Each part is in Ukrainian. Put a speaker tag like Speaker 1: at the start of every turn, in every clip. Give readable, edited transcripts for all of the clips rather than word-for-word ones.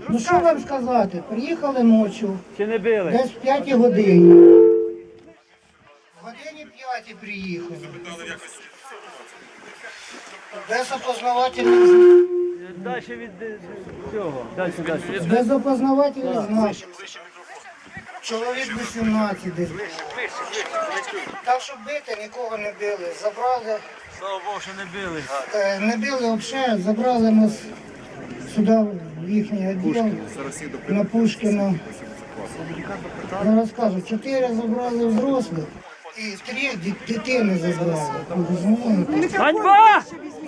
Speaker 1: Ну що вам сказати, приїхали ночі,
Speaker 2: Чи не били?
Speaker 1: десь в 5 годині. В годині 5 приїхали. Без опознавательних знаків.
Speaker 2: Далі від цього. Далі.
Speaker 1: Без опознавательних знаків. Чоловік 18 десь. Так, щоб бити, нікого не били. Забрали,
Speaker 2: Слава Богу, що не били.
Speaker 1: не били взагалі, забрали нас сюди, в їхній відділ, на Пушкіна. Зараз кажу, 4 забрали взрослих і 3 дитини забрали. Розумієте?
Speaker 2: Ганьба!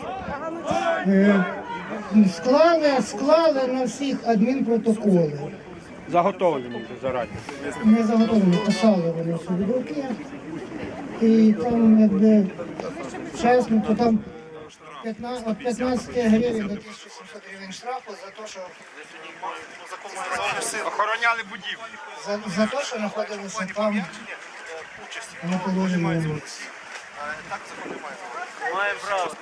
Speaker 1: Склали на всіх адмінпротоколи.
Speaker 2: Заготовлені зарані.
Speaker 1: Не заготовлені, писали вони собі руки. І там, якби, чесно, то там від 15 гривень до 1700 гривень штрафу за те, що
Speaker 3: Охороняли будівлю.
Speaker 1: за те, що знаходилися там на положеному місці.
Speaker 2: Маємо право.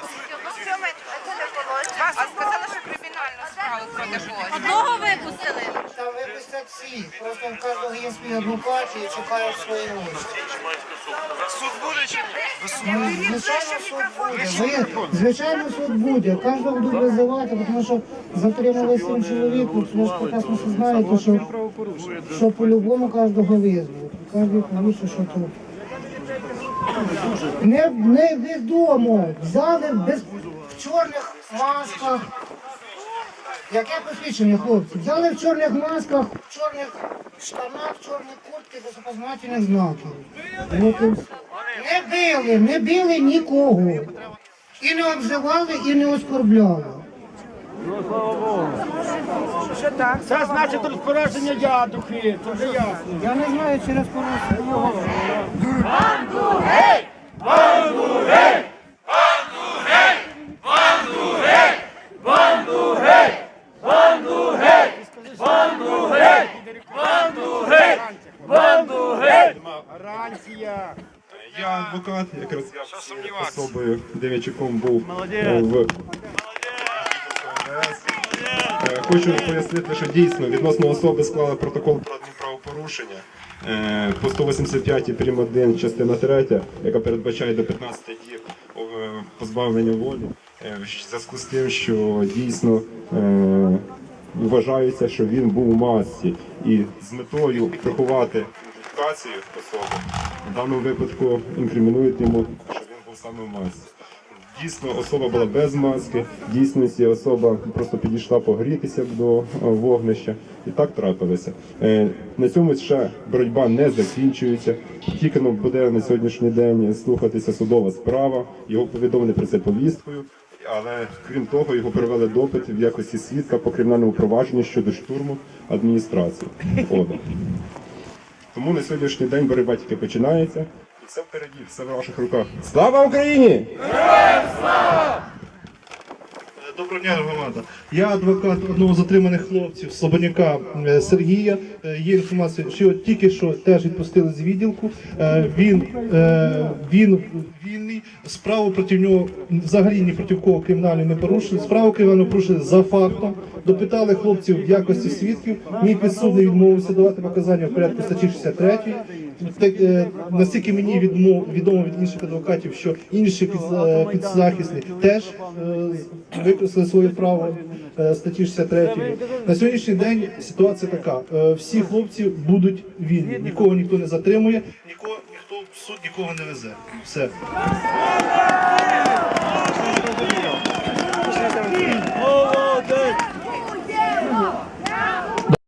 Speaker 4: А сказали, що кримінальну справу проти когось.
Speaker 5: Одного випустили.
Speaker 1: Там випустять всі, просто в кожного є свій адвокат і чекають свої очі.
Speaker 3: Суд буде чи ні?
Speaker 1: Звичайно, суд буде. Кожного будуть визивати, тому що затримали 7 чоловік, ви ж прекрасно все знаєте, що по-любому кожного визвуть. Кожен повіше, що то. Невідомо, взяли в чорних масках. Яке посвідчення, хлопці? Взяли в чорних масках, в чорних штанах, в чорній куртці без опознавательних знаків. Не били нікого. І не обзивали, і не оскорбляли.
Speaker 2: Ну, слава Богу.
Speaker 6: Це значить розпораження ядухи, це вже ясно.
Speaker 1: Я не знаю, через порушення.
Speaker 6: Гарантія.
Speaker 7: Я адвокат, якраз я особою Дев'ячуком був в Хочу пояснити, що дійсно відносно особи склали протокол про адмінправопорушення по 185 прим. 1 частина 3, яка передбачає до 15 днів позбавлення волі, в зв'язку з тим, що дійсно вважається, що він був у масці, і з метою приховати ідентифікацію особи в даному випадку інкримінують йому, що він був саме в масці. Дійсно, особа була без маски, в дійсності особа просто підійшла погрітися до вогнища, і так трапилося. На цьому ще боротьба не закінчується, тільки буде на сьогоднішній день слухатися судова справа, його повідомили про це повісткою, але крім того, його провели допит в якості свідка по кримінальному провадженню щодо штурму адміністрації. Тому на сьогоднішній день боротьба тільки починається. І все впереді, все в ваших руках. Слава Україні!
Speaker 8: Доброго дня, громада. Я адвокат одного з затриманих хлопців, Слободняка Сергія. Є інформація, що тільки що теж відпустили з відділку. Він вільний. Справу проти нього взагалі ні проти кого кримінальну не порушили. Справу кримінальну порушили за фактом. Допитали хлопців в якості свідків. Мій підсудний відмовився давати показання в порядку статті 63. Наскільки мені відомо від інших адвокатів, що інші підзахисні теж використали своє право статті 63. На сьогоднішній день ситуація така. Всі хлопці будуть вільні. Нікого ніхто не затримує, ніхто в суд нікого не везе. Все.